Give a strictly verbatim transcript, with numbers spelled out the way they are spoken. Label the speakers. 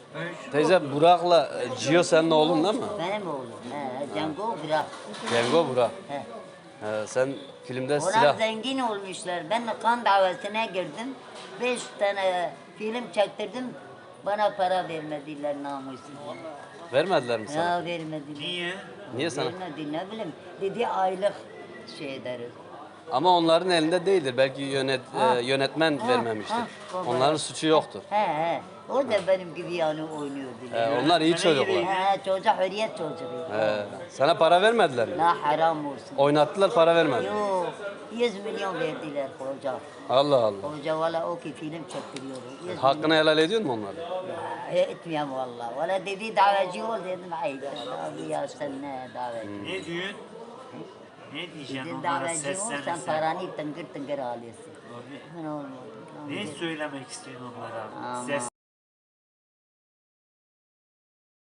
Speaker 1: Teyze Burak'la e, Cio senin oğlun değil mi?
Speaker 2: Benim oğlum. He, Cengo Burak.
Speaker 1: Cengo Burak.
Speaker 2: He.
Speaker 1: He, sen filmde
Speaker 2: Onlar
Speaker 1: silah...
Speaker 2: zengin olmuşlar. Ben de kan davasına girdim. Beş tane film çektirdim. Bana para vermediler namussuz.
Speaker 1: Vermediler mi sana?
Speaker 2: Ya vermediler.
Speaker 3: Niye?
Speaker 1: Niye sana?
Speaker 2: Vermedi ne bileyim. Dedi aylık şey deriz.
Speaker 1: Ama onların elinde değildir. Belki yönet,
Speaker 2: Ha.
Speaker 1: e, yönetmen
Speaker 2: Ha,
Speaker 1: vermemiştir.
Speaker 2: ha, baba.
Speaker 1: Onların suçu yoktur.
Speaker 2: He he. O da benim gibi yani oynuyordu.
Speaker 1: He, onlar iyi çocuklar.
Speaker 2: He, çocuk hürriyet çocuğu.
Speaker 1: He, sana para vermediler mi?
Speaker 2: La haram olsun.
Speaker 1: Oynattılar, para vermediler.
Speaker 2: Yok, yüz milyon verdiler hoca.
Speaker 1: Allah Allah.
Speaker 2: Hoca valla o ki film çektiriyor. yüz
Speaker 1: Hakkını helal ediyor mu onları?
Speaker 2: milyon. Etmiyorum valla. Valla dedi davacı ol dedim. Haydi abi ya sen ne davacı?
Speaker 3: Ne diyorsun? Ne diyeceksin
Speaker 2: Dedin
Speaker 3: onlara
Speaker 2: davacı ol sen
Speaker 3: seslenirsen?
Speaker 2: paranı tıngır tıngır alıyorsun.
Speaker 3: Abi,
Speaker 2: Ben olmadı.
Speaker 3: ne söylemek istiyorsun onlara?
Speaker 2: Ama-
Speaker 3: Ses